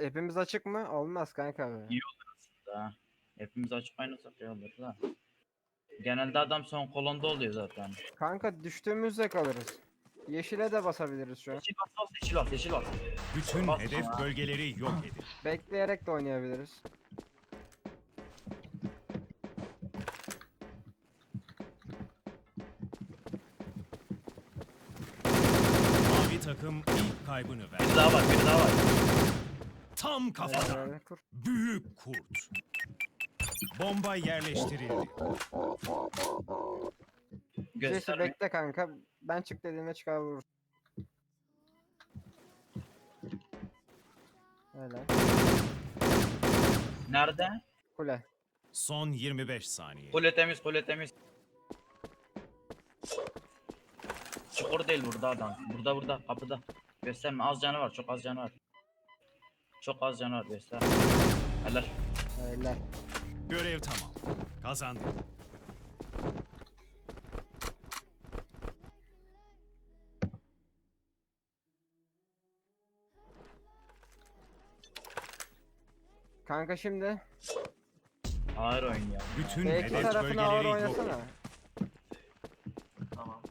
Hepimiz açık mı? Olmaz kanka be. İyi olur aslında. Hepimiz açık oynasak iyi olur da. Genelde adam son kolonda oluyor zaten. Kanka düştüğümüzde kalırız. Yeşile de basabiliriz şu an. Yeşil bas bas, yeşil bas, yeşil bas. Bütün Bas hedef sonra. bölgeleri yok edin. Bekleyerek de oynayabiliriz. Mavi takım ilk kaybını verdi. Bir daha var, bir daha var. Tam kafadan. Kur. Büyük kurt. Bomba yerleştirildi. Jesse Gösterme. bekle kanka. Ben çık dediğimde çıkar vurur. Öyle. Nerede? Kule. Son 25 saniye. Kule temiz, kule temiz. Çukur değil burada adam. Burada, kapıda. Gösterme, az canı var, çok az canı var. Çok az canı var, göster. Helal. Öyle. Görev tamam. Kazandık. Kanka şimdi Ağır oyun ya. Bütün B2 hedef tarafına ağır bölgeleri yok oynasana. edin. Tamam.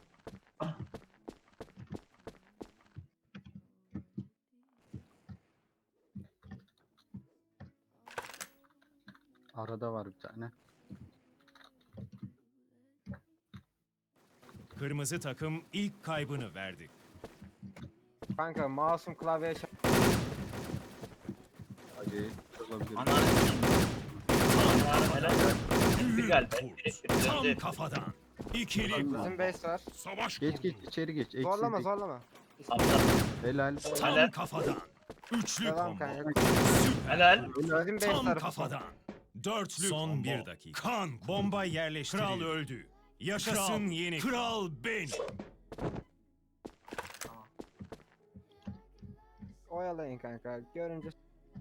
Arada var bir tane. Kırmızı takım ilk kaybını verdi. Kanka masum klavyeye çarp. Hadi olabilir. Ananı helal. Bir Büyük gel. kurt. Tam kafadan. İkili Tamam. bomba. Bizim base var. Savaş Geç kurdu. geç içeri geç. Eksi Zorlama tek- zorlama. Aptal. Helal. Tam Helal. kafadan. Üçlü Devam combo. kanka. Süper. Helal. Bizim base Tam tarafı. kafadan. Dörtlü son bir dakika. Kan. Bomba yerleştirildi. Kral öldü. Yaşasın yeni kral benim. Oyalayın kanka. Görünce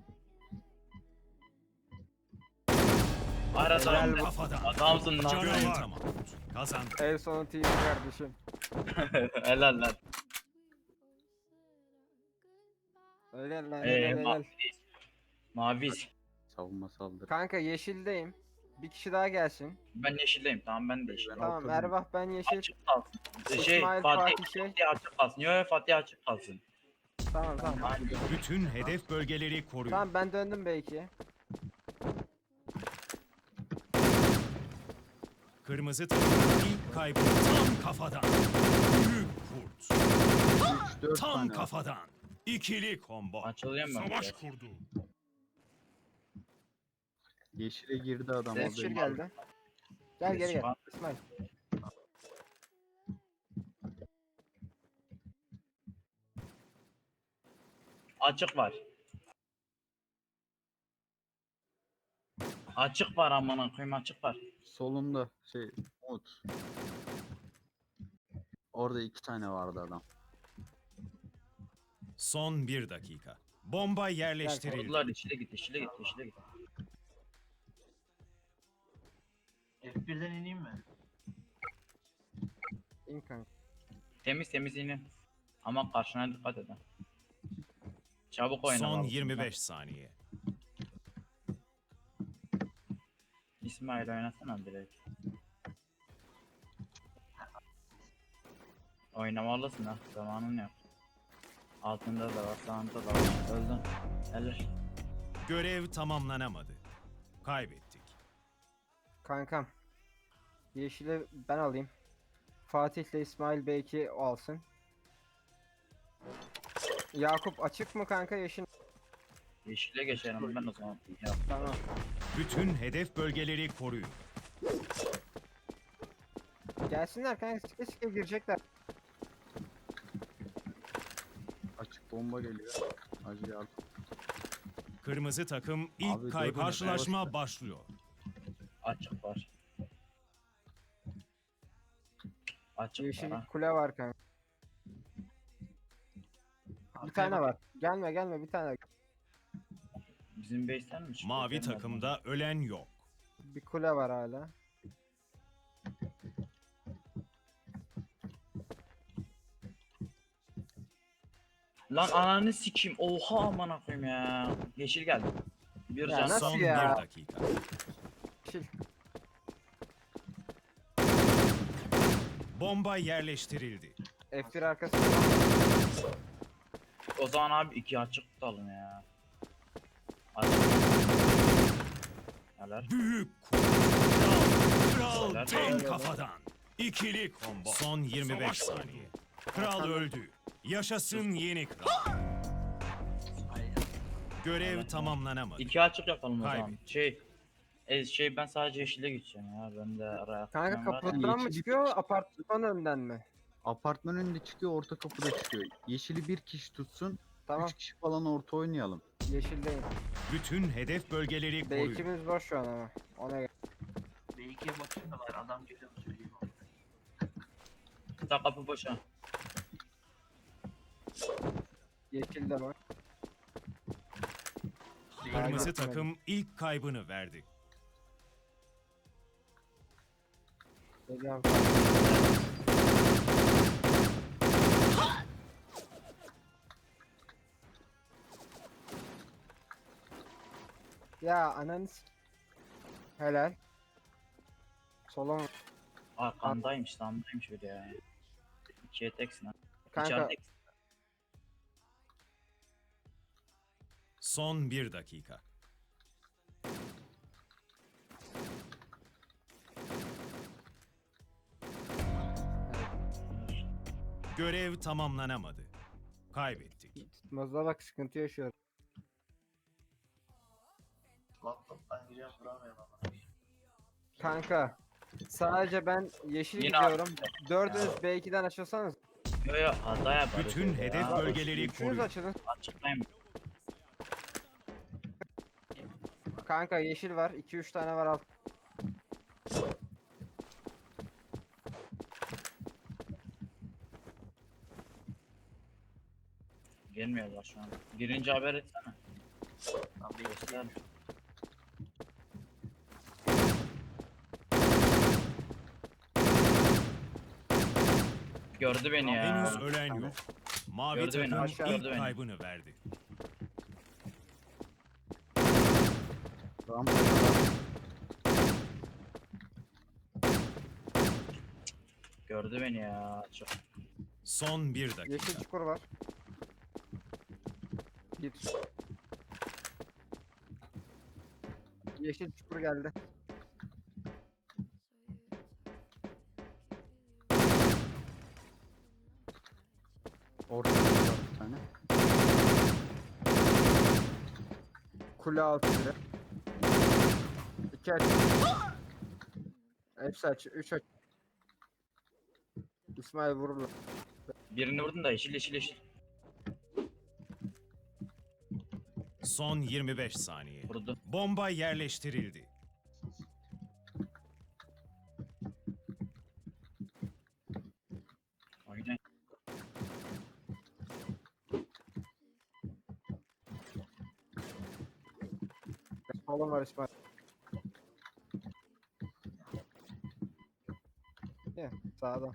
Arada Helal Tam kafadan. adamsın lan. Görev tamam. Kazandık. ev sonu TV kardeşim. Helal lan. Öyle lan helal helal. Mavi. Mavi. Savunma saldırı. Kanka yeşildeyim. Bir kişi daha gelsin. Ben yeşildeyim. Tamam ben de yeşilim. Tamam Ortadayım. Ervah ben yeşil. Açık kalsın. İsmail, Fatih, Fatih şey. Fatih açık kalsın. Yo Fatih açık kalsın. Tamam. Bütün hedef bölgeleri koruyun. Tamam ben döndüm belki. Kırmızı takım ilk kaybı tam kafadan. Büyük kurt. 3-4 Tam tane var. kafadan. İkili combo. Açılıyor mu? Savaş kurdu. Yeşile girdi adam Yeşil orada. geldi. Gel geri gel. Tamam. İsmail. Açık var. Açık var amına koyayım, açık var. Solunda şey Umut. Orada 2 tane vardı adam. Son bir dakika. Bomba yerleştirildi. Vurdular, içine git, içine git, içine git. F1'den ineyim mi? İn kanka. Temiz temiz inin. Ama karşına dikkat edin. Çabuk oyna. Son vallahi. 25 saniye. İsmail oynasana direkt. Oynamalısın ha, zamanın yok. Altında da var, sağında da var. Öldün. Helal. Görev tamamlanamadı. Kaybettik. Kankam. Yeşili ben alayım. Fatih'le İsmail belki o alsın. Yakup açık mı kanka yeşil? Yeşile geçelim ben o zaman. Ya. Tamam. Bütün hedef bölgeleri koruyun. Gelsinler kanka sike sike girecekler. Açık bomba geliyor. Hacı yardım. Kırmızı takım ilk Abi, kaybını dört karşılaşma tane başlıyor. Açık var. Açık Yeşil var. Ha. kule var kanka. Bir tane var. Gelme bir tane. Bizim base'ten mi çıktı? Mavi Gelmedi. takımda ölen yok. Bir kule var hala. Lan ananı sikeyim. Oha aman koyayım ya. Yeşil geldi. Bir Ya can. nasıl Son ya? 1 dakika. Yeşil. Bomba yerleştirildi. F1 arkası. O zaman abi 2 açık tutalım ya. Açık. Neler? Büyük kral Helal. tek kafadan. İkili combo. Son 25 saniye. Kral öldü. Yaşasın yeni kral. Aynen. Görev tamamlanamadı. 2 açık yapalım o zaman. Kaybettik. Ben sadece yeşile gideceğim ya. Ben de araya Kanka atmam var. kapıdan mı Yeşil çıkıyor apartman önünden mi? Apartman önünde çıkıyor, orta kapıda çıkıyor. Yeşili bir kişi tutsun. Tamam 3 kişi falan orta oynayalım. yeşildeyim. Bütün hedef bölgeleri koruyun. B2'miz boş şu an ama. Ona göre. B2'ye bakayım da var. Adam geliyor mu söyleyeyim. Sağ kapı boş ha. Yeşilde var. Kırmızı Aynen. takım ilk kaybını verdi. Geliyorum. Ya ananı Helal. Solon Arkandaymış, sağımdaymış bir de ya. 2'ye teksin ha. kanka İçeridesin. Son 1 dakika. Görev tamamlanamadı. Kaybettik. tutmazda bak sıkıntı yaşıyor. Laptop'tan giriyorum vuramıyorum ama. Kanka sadece ben yeşil Yine gidiyorum. Dördünüz B2'den açılsanız. Yo yo hata yaparız. Bütün öyle hedef ya. bölgeleri Üçünüz koruyun. açılın. Açıklayayım. Kanka yeşil var. 2-3 tane var alt. Gelmiyorlar şu an. Birinci haber etsene. Lan Göster. Gördü beni ya. Henüz ölen yok. Mavi Gördü beni, takım aşağı ilk gördü beni. kaybını verdi. Rampa Gördü beni ya. Çok. Son 1 dakika. Yeşil çukur var. Git. Yeşil çukur geldi. orta kapıda bir tane. Kule altı biri. 2 aç. Hepsi aç. 3 aç. İsmail vururlar. Birini vurdun da yeşil yeşil yeşil. Son 25 saniye. Vurdu. Bomba yerleştirildi. Aynen. Solun var İsmail. Ya sağda.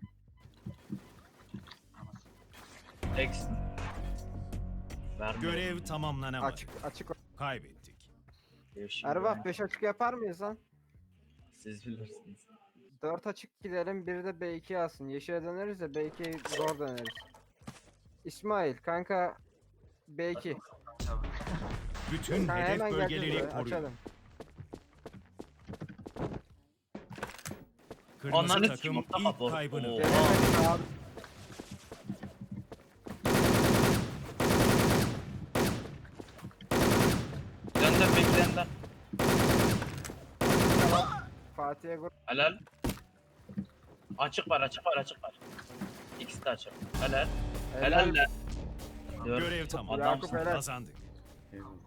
Teksin. Vermiyor. Görev tamamlanamadı. Açık açık. Kaybettik. Yeşil Erbah ya. 5 açık yapar mıyız lan? Siz bilirsiniz. 4 açık gidelim, biri de B2 alsın. Yeşile döneriz de B2'ye zor döneriz. İsmail kanka B2. Tabii. Bütün Kanka hedef hemen geleceğiz bölgeleri buraya, koruyun. açalım. Kırmızı Onların takım sikimi ilk kapı. kaybını Oo. verdi. Gelemedik abi. Dönden beklenden. Fatih'e vur. Helal. Açık var açık var açık var. İkisi de açık. Helal. Helal lan. Dört. Görev tamam. Yakup helal. Kazandık. Eyvallah.